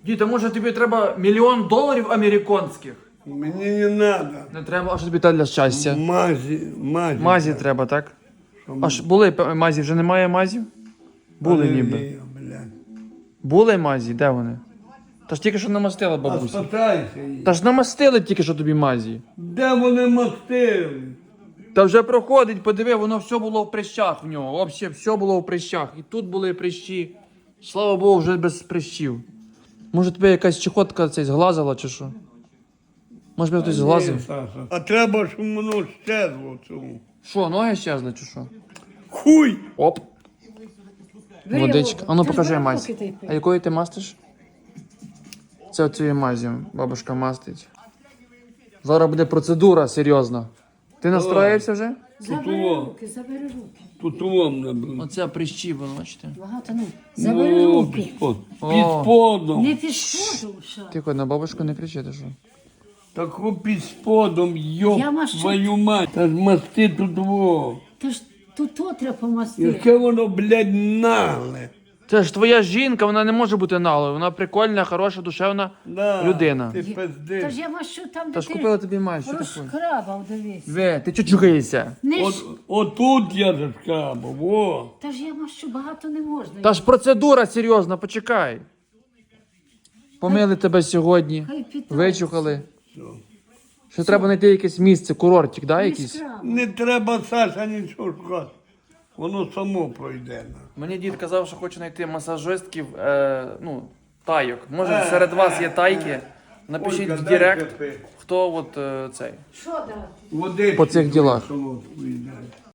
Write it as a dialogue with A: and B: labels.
A: Дід, а може тобі треба $1 мільйон американських?
B: Мені не надо.
A: Не треба, а що тобі для щастя?
B: Мазі.
A: Мазі треба, так? А ж були мазі, вже немає мазів? Були ніби.
B: Аллергія, блядь.
A: Були мазі, де вони? Та ж тільки що намастила
B: А
A: бабуся.
B: спитайся її.
A: Та ж намастили тільки що тобі мазі.
B: Де вони мастили?
A: Та вже проходить, подиви, воно все було в прищах в нього. Взагалі, все було в прищах. І тут були прищі. Слава Богу, вже без прищів. Може тебе якась чехотка цей зглазила чи що? Може тебе хтось зглазив?
B: Ні, Саша. А треба, щоб воно щезло в цьому.
A: Що, ноги щезли чи що?
B: Хуй!
A: Оп,
C: Бери
A: водичка.
C: воду.
A: А ну
C: Ти ж
A: покажи
C: бери
A: мазь.
C: руки та й пий.
A: А якою ти мастиш? Це цією мазю бабушка мастить. Зараз буде процедура серйозна. Ти настроївся вже?
C: Забери руки.
B: Тут вам набив.
A: Оце прищі, ви бачите.
C: Багато не. Забери руки.
B: Під
A: О.
B: сподом.
C: Не під шкоду, що.
A: Тихо, на бабушку не кричити, що?
B: Таку під сподом, йоп
C: Я мащу.
B: твою мать. Та ж масти тут во.
C: Та ж тут то треба помастити.
B: Яке воно, блядь, нагле.
A: Це ж твоя жінка, вона не може бути налою. Вона прикольна, хороша, душевна
B: Да,
A: людина.
B: Ти
C: Та
B: пиздиш.
C: ж я мащу там,
A: Та
C: де
A: ж
C: ти
A: купила тобі мазь, що ти хочеш?
C: розкрабав, дивись.
A: Ве, ти чучухаєшся?
C: Не ж...
B: Отут я зашкабав, во.
C: Та ж я мащу багато не можна.
A: Та ж процедура серйозна, почекай. Помили тебе сьогодні,
C: Хай питається.
A: вичухали. Що треба знайти якесь місце, курортик, да,
C: Не
A: якийсь?
C: скрабав.
B: Не треба, Саша, нічого шукати. Воно само пройде.
A: Мені дід казав, що хоче знайти масажистків, тайок. Може, серед вас є тайки? Напишіть
B: Ольга,
A: в
B: дай
A: директ,
B: кафе.
A: хто цей.
C: Що дати?
B: Води
A: По цих ділах.
B: солодкої дай.